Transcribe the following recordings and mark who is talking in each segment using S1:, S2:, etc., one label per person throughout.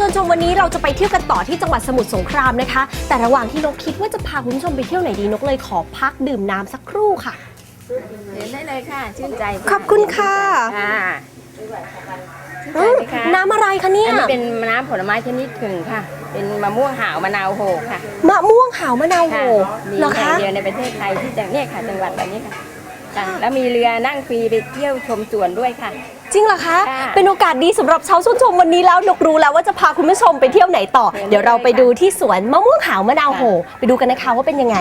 S1: วนชมวันนี้เราจะไปเที่ยวกันต่อที่จังหวัดสมุทรสงครามนะคะแต่ระหว่างที่นกคิดว่าจะพาคุณผู้ชมไปเที่ยวไหนดีนกเลยขอพักดื่มน้ำสักครู่ค่ะ
S2: เห็นได้เลยค่ะชื่นใจ
S1: ขอบคุณค่ะน้ำอะไรคะเนี่ย
S2: อันนี้เป็นน้ำผลไม้ชนิดหนึ่งค่ะเป็นมะม่วงหาวมะนาวโหค่ะ
S1: มะม่วงหาวมะนาวโห
S2: เหรอคะเดียวในประเทศไทยที่เนี่ยค่ะจังหวัดแบบนี้ค่ะแล้วมีเรือนั่งฟรีไปเที่ยวชมสวนด้วยค่ะ
S1: จริงเหรอคะเป็นโอกาสดีสำหรับชาวชมวันนี้แล้วนกรู้แล้วว่าจะพาคุณผู้ชมไปเที่ยวไหนต่อเดี๋ยวเราไปดูที่สวนมะม่วงหาวมะนาวโหไปดูกันนะคะว่าเป็นยังไง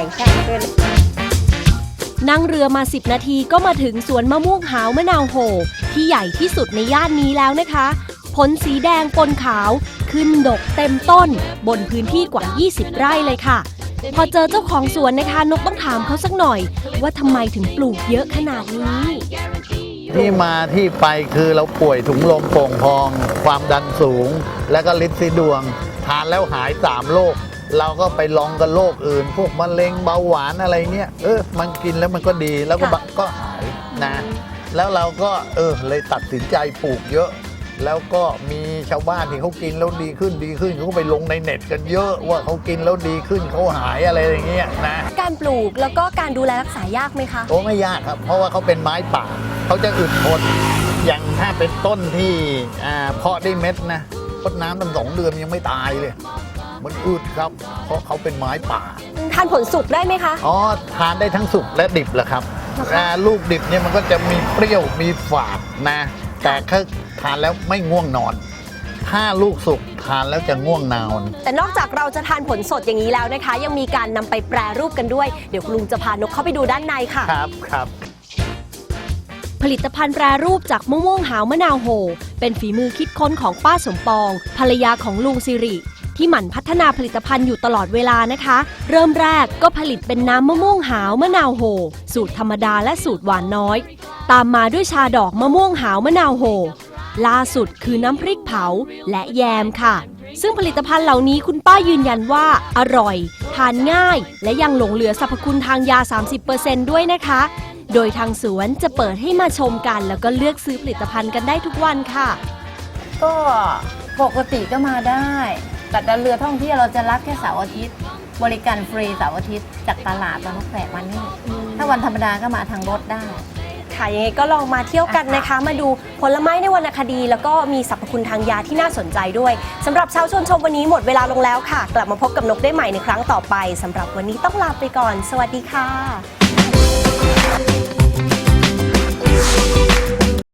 S1: นั่งเรือมา10นาทีก็มาถึงสวนมะม่วงหาวมะนาวโหที่ใหญ่ที่สุดในย่านนี้แล้วนะคะผลสีแดงปนขาวขึ้นดกเต็มต้นบนพื้นที่กว่า20ไร่เลยค่ะพอเจอเจ้าของสวนนะคะนกต้องถามเขาสักหน่อยว่าทำไมถึงปลูกเยอะขนาดนี้
S3: ที่มาที่ไปคือเราป่วยถุงลมโป่งพองความดันสูงและก็ลินซีดวงทานแล้วหาย3โรคเราก็ไปลองกับโรคอื่นพวกมะเร็งเบาหวานอะไรเงี้ยมันกินแล้วมันก็ดีแล้วก็หายนะแล้วเราก็เลยตัดสินใจปลูกเยอะแล้วก็มีชาวบ้านที่เขากินแล้วดีขึ้นเขาก็ไปลงในเน็ตกันเยอะว่าเขากินแล้วดีขึ้นเขาหายอะไรอย่างเงี้ยนะ
S1: การปลูกแล้วก็การดูแลรักษายากไหมคะ
S3: ไม่ยากครับเพราะว่าเขาเป็นไม้ป่าเขาจะอึดทนอย่างถ้าเป็นต้นที่เพาะได้เม็ดนะพดน้ำตั้ง2 เดือนยังไม่ตายเลยมันอึดครับเพราะเขาเป็นไม้ป่า
S1: ทานผลสุกได้ไหมคะ
S3: ทานได้ทั้งสุกและดิบแหละครับลูกดิบเนี่ยมันก็จะมีเปรี้ยวมีฝาดนะแต่ถ้าทานแล้วไม่ง่วงนอนถ้าลูกสุกทานแล้วจะง่วงนอน
S1: แต่นอกจากเราจะทานผลสดอย่างนี้แล้วนะคะยังมีการนำไปแปรรูปกันด้วยเดี๋ยวคุณลุงจะพานกเข้าไปดูด้านในค่ะ
S3: ครับ
S1: ผลิตภัณฑ์แปรรูปจากมะม่วงหาวมะนาวโหเป็นฝีมือคิดค้นของป้าสมปองภรรยาของลุงสิริที่หมั่นพัฒนาผลิตภัณฑ์อยู่ตลอดเวลานะคะเริ่มแรกก็ผลิตเป็นน้ำมะม่วงหาวมะนาวโหสูตรธรรมดาและสูตรหวานน้อยตามมาด้วยชาดอกมะม่วงหาวมะนาวโหล่าสุดคือน้ำพริกเผาและแยมค่ะซึ่งผลิตภัณฑ์เหล่านี้คุณป้ายืนยันว่าอร่อยทานง่ายและยังหลงเหลือสรรพคุณทางยา 30% ด้วยนะคะโดยทางสวนจะเปิดให้มาชมกันแล้วก็เลือกซื้อผลิตภัณฑ์กันได้ทุกวันค่ะ
S2: ก็ปกติก็มาได้แต่เรือท่องเที่ยวเราจะรับแค่เสาร์อาทิตย์บริการฟรีเสาร์อาทิตย์จากตลาดบางนกแฝกมานี่ถ้าวันธรรมดาก็มาทางรถได้
S1: ค่ะยังไงก็ลองมาเที่ยวกันนะคะมาดูผลไม้ในวรรณคดีแล้วก็มีสรรพคุณทางยาที่น่าสนใจด้วยสำหรับชาวชมวันนี้หมดเวลาลงแล้วค่ะกลับมาพบกับนกได้ใหม่ในครั้งต่อไปสำหรับวันนี้ต้องลาไปก่อนสวัสดีค่ะ